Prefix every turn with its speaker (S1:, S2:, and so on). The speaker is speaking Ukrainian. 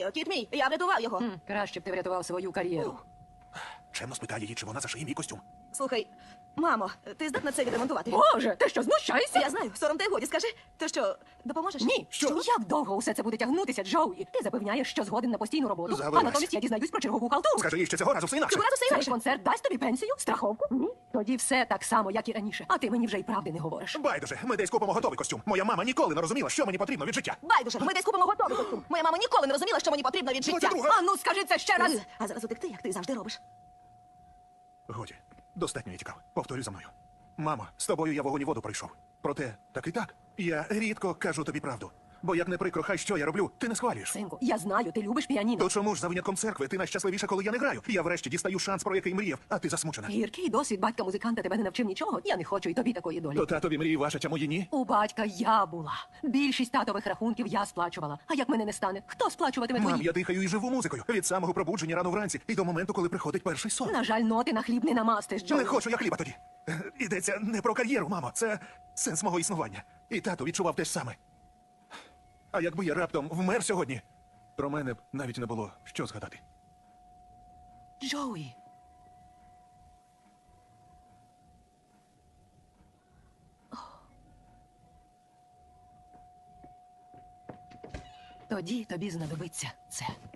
S1: Кіт мій, я врятував його.
S2: Краще б ти врятував свою кар'єру.
S3: Чемно спитає її, чи вона зашиє мій костюм.
S1: Слухай, мамо, ти здатна це відремонтувати?
S2: Боже, ти що, знущаєшся?
S1: Я знаю, сором та й годі, скажи. То що, допоможеш?
S2: Ні.
S3: Що?
S2: Як довго усе це буде тягнутися, Джоуї? Ти запевняєш, що згоден на постійну роботу,
S3: Завелась.
S2: а натомість я дізнаюсь про чергову халтуру.
S3: Скажи їй, що цього разу все інакше.
S1: Цього разу все
S2: Цей
S1: інакше.
S2: концерт дасть тобі пенсію, страховку? Ні. Тоді все так само, як і раніше. А ти мені вже й правди не говориш.
S3: Байдуже, ми десь купимо готовий костюм. Моя мама ніколи не розуміла, що мені потрібно від життя.
S1: Байдуже, ми десь купимо готовий костюм. Моя мама ніколи не розуміла, що мені потрібно від життя.
S3: 22.
S2: А ну скажи це ще раз.
S1: А зараз утекти, як ти завжди робиш.
S3: Годі, достатньо я тікав. Повторюй за мною. Мамо, з тобою я вогонь і воду пройшов. Проте, так і так. Я рідко кажу тобі правду. Бо як не прикро, хай що я роблю, ти не схвалюєш.
S2: Синку, я знаю, ти любиш піаніно.
S3: То чому ж за винятком церкви ти найщасливіша, коли я не граю? Я врешті дістаю шанс, про який мріяв, а ти засмучена.
S2: Гіркий досвід батька-музиканта тебе не навчив нічого. Я не хочу і тобі такої долі.
S3: То татові мрії ваша, а мої ні?
S2: У батька я була. Більшість татових рахунків я сплачувала. А як мене не стане, хто сплачуватиме
S3: Мам,
S2: твої?
S3: я дихаю і живу музикою. Від самого пробудження рано вранці і до моменту, коли приходить перший сон.
S2: На жаль, ноти на хліб не намастиш, Джо.
S3: Не хочу я хліба тоді. Йдеться не про кар'єру, мамо. Це сенс мого існування. І тато відчував те ж саме. А якби я раптом вмер сьогодні, про мене б навіть не було що згадати.
S2: Джоуї. Тоді тобі знадобиться це.